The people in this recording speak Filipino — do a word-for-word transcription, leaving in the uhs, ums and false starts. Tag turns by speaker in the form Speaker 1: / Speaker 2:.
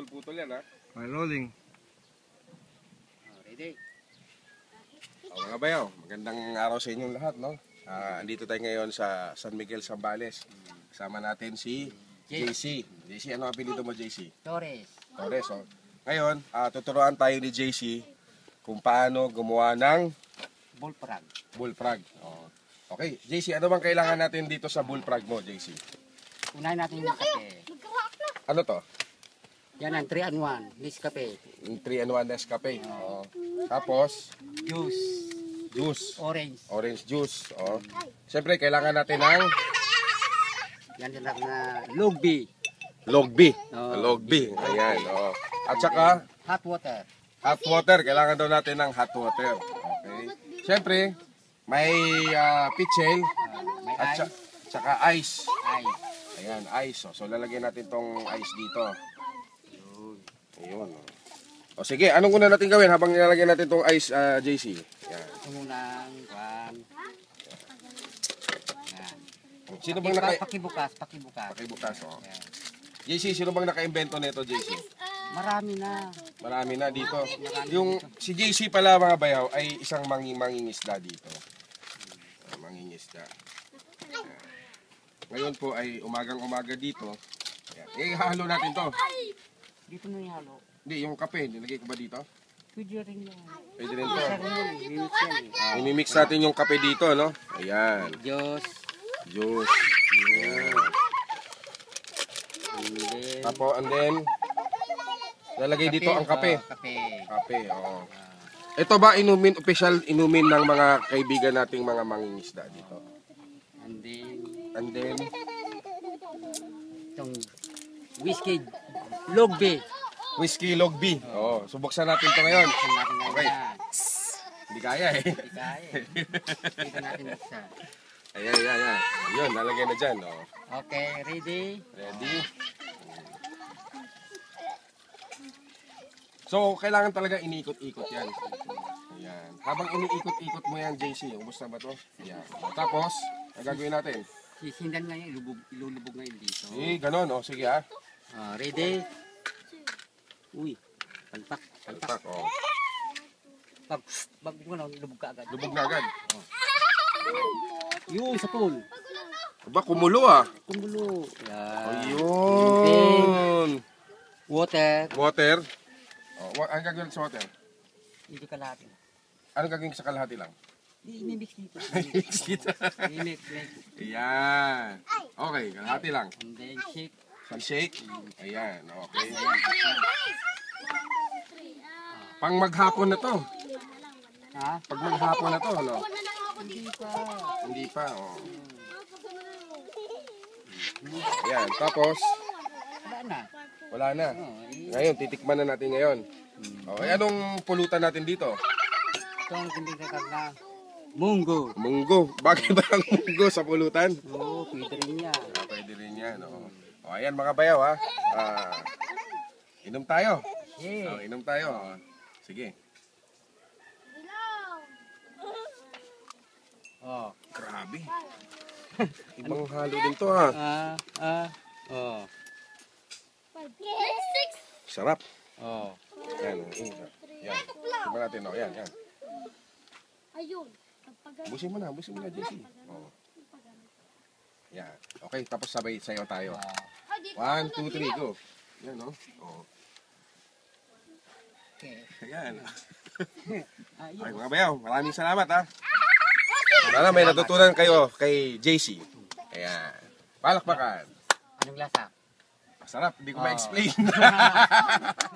Speaker 1: putol-putol yan ha.
Speaker 2: May rolling.
Speaker 3: Oh, ready?
Speaker 1: O mga bayaw, magandang araw sa inyong lahat, no? Uh, andito tayo ngayon sa San Miguel, Zambales. Kasama natin si J C. J C, ano ang apelido mo, J C?
Speaker 3: Torres.
Speaker 1: Torres, oh. Ngayon, uh, tuturuan tayo ni J C kung paano gumawa ng
Speaker 3: Bullfrog.
Speaker 1: bullfrog. Oh. Okay, J C, ano bang kailangan natin dito sa bullfrog mo, J C?
Speaker 3: Unahin natin yung kape.
Speaker 1: Ano to?
Speaker 3: Yan ang three and one. Nescafe.
Speaker 1: three and one Nescafe. Oh. Tapos,
Speaker 3: Juice.
Speaker 1: juice.
Speaker 3: Orange.
Speaker 1: Orange juice. Oh. Siyempre, kailangan natin ng
Speaker 3: Yan din lang na logbi.
Speaker 1: logbi.
Speaker 3: Oh.
Speaker 1: Logbi. Ayan. Oh. At saka,
Speaker 3: Hot water.
Speaker 1: hot water. Kailangan daw natin ng hot water. Okay. Siyempre, may uh, pitchel.
Speaker 3: Uh, may
Speaker 1: At
Speaker 3: ice.
Speaker 1: saka, saka ice.
Speaker 3: Ice.
Speaker 1: Ayan, ice. Oh. So, lalagyan natin tong ice dito. Ayun. O sige, anong una natin gawin habang nilalagyan natin tong ice, uh, J C? Yan.
Speaker 3: Ito munang kwan. Yan.
Speaker 1: Sino bang naka...
Speaker 3: Pakibukas, pakibukas.
Speaker 1: Pakibukas, oh.
Speaker 3: Yan.
Speaker 1: J C, sino bang naka-invento nito, J C?
Speaker 3: Marami na.
Speaker 1: Marami na dito. Yung si J C pala, mga bayaw, ay isang mangi mangingisda dito. Uh, mangingisda. Yan. Ngayon po ay umagang-umaga dito. Yan. Eh, hahalo natin to.
Speaker 3: Dito na ihalo.
Speaker 1: Hindi, yung kape, nilagay ko ba dito?
Speaker 3: Pwede rin yan.
Speaker 1: Pwede rin to.
Speaker 3: Isa rin yun. Mimix yan eh.
Speaker 1: Imimix natin yung kape dito, no? Ayan.
Speaker 3: Diyos.
Speaker 1: Juice. Ayan.
Speaker 3: And then,
Speaker 1: Tapos, and then, lalagay dito ang kape.
Speaker 3: Oh, kape.
Speaker 1: Kape, oo.
Speaker 3: Ah,
Speaker 1: Ito ba inumin, official inumin ng mga kaibigan nating mga mangingisda dito?
Speaker 3: and then,
Speaker 1: And then,
Speaker 3: itong whiskey logbe.
Speaker 1: whiskey logbi. Oo, subuksan natin ito ngayon.
Speaker 3: Buksan natin ngayon
Speaker 1: Okay.
Speaker 3: yan.
Speaker 1: Hindi kaya eh.
Speaker 3: Hindi kaya eh. Dito natin buksan.
Speaker 1: Ayan, ayan, ayan. Ayun, lalagay na dyan. Oh.
Speaker 3: Okay, ready?
Speaker 1: Ready? So, kailangan talaga iniikot-ikot yan. Ayan. Habang iniikot-ikot mo yan, J C, ubos na ba to? Ayan. Tapos, ang gagawin natin?
Speaker 3: Sisindan ngayon, ilubog, ilulubog ngayon dito.
Speaker 1: Eh, ganun. Oh. Sige ha.
Speaker 3: Ah, ready? Uy, palpak, palpak.
Speaker 1: Palpak. Oh.
Speaker 3: Pag, pag ano, lubog ka agad.
Speaker 1: Lubog na agad.
Speaker 3: Yung sa pool.
Speaker 1: Aba, kumulo ah.
Speaker 3: Kumulo. Yan.
Speaker 1: Ayun.
Speaker 3: Water.
Speaker 1: Water. Oh, wa- anong gagawin sa water?
Speaker 3: Hindi ka lahat.
Speaker 1: Anong gagawin sa kalahati lang?
Speaker 3: I-mix dito.
Speaker 1: I-mix dito.
Speaker 3: I-mix, mix.
Speaker 1: Ayan. Okay, kalahati lang.
Speaker 3: And then shake.
Speaker 1: I-shake. Ayan, okay. Pang maghapon na to.
Speaker 3: Ha?
Speaker 1: Pag maghapon na to, no?
Speaker 3: Hindi pa.
Speaker 1: Hindi pa, oh. Ayan, tapos,
Speaker 3: Wala na.
Speaker 1: wala na.
Speaker 3: Oh, i-
Speaker 1: Ngayon, titikman na natin ngayon. Okay, anong pulutan natin dito?
Speaker 3: ito ang tinitagag na munggo.
Speaker 1: Munggo. Bagay ba ang munggo sa pulutan?
Speaker 3: Oo, pwede rin yan.
Speaker 1: Ah, pwede rin yan, oh. O, ayan mga bayaw, ha. Ah, inom tayo.
Speaker 3: Yeah.
Speaker 1: Oh, inom tayo. Oh. Sige.
Speaker 3: Oh.
Speaker 1: Grabe. Ibang halo din to, ha.
Speaker 3: Ah, ah, oh.
Speaker 1: Sarap.
Speaker 3: Oh.
Speaker 1: Yan, eh, yan. Tignan natin, oh. Yan, yan.
Speaker 4: Ayun.
Speaker 1: Busin mo na, busin mo na, J C. Oh. Yan. Okay, tapos sabay sayo tayo.
Speaker 3: Ah,
Speaker 1: One, two, three, go. Yan, no? Oh.
Speaker 3: okay.
Speaker 1: Ayan.
Speaker 3: Ah,
Speaker 1: Ay,
Speaker 3: yun.
Speaker 1: mga bayaw, maraming salamat, ha. Sana may natutunan kayo kay J C. Ayan. Palakpakan.
Speaker 3: Anong lasa?
Speaker 1: Masarap, hindi ko
Speaker 3: Oh.
Speaker 1: ma-explain.